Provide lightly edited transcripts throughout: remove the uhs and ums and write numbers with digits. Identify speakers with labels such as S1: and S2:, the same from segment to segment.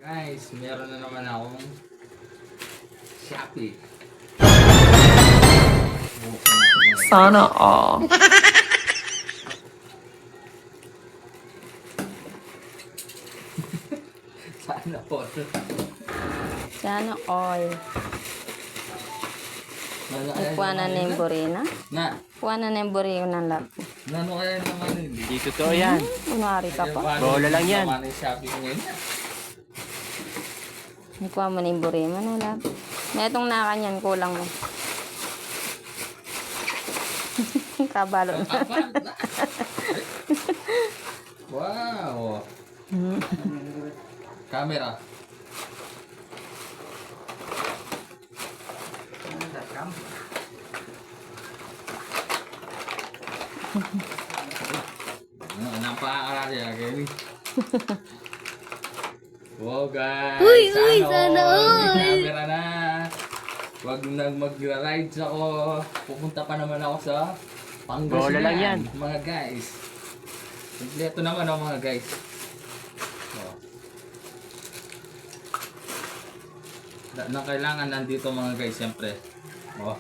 S1: Guys, meron na naman akong Shopee.
S2: Sana all.
S1: Sana po.
S3: Sana all. Nagpuanan na yung burina.
S1: Na,
S3: Puanan na yung burina ng lab.
S1: nano kaya naman hindi?
S4: Hindi totoo yan.
S3: Kunwari ka pa.
S4: Bola lang yan.
S1: Naman yung Shopee ko ngayon.
S3: Nagkuha mo na yung burina ng lab. Na itong nakanyan, kulang mo. Kabalo na.
S1: Wow. Camera. Anong paakala niya, Kenny? Wow, guys! Sana all! May camera na! Huwag nang magra-rides ako. Pupunta pa naman ako sa Pangasinan.
S4: Bola lang yan.
S1: Mga guys. Kompleto naman ako mga guys. Oh. Na kailangan nandito mga guys, siyempre. Oh.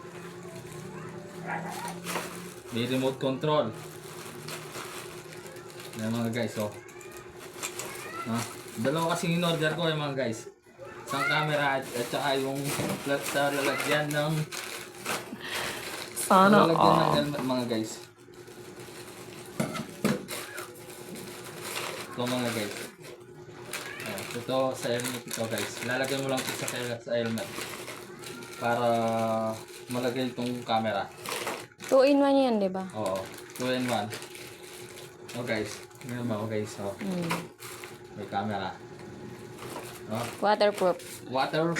S1: May remote control. Yan mga guys, oh. Dalawa kasing in-order ko yung mga guys. Isang camera at saka yung flat sa lalagyan ng
S2: Sana
S1: lalagyan ng
S2: all.
S1: helmet mga guys. Ito mga guys. Ito sa helmet ito guys. Lalagyan mo lang ito sa helmet para malagay itong camera.
S3: 2-in-1 yan, di ba?
S1: Oo. 2-in-1. Oh guys. Ngayon mo guys. Oh. May camera. Oh.
S3: Waterproof.
S1: Water.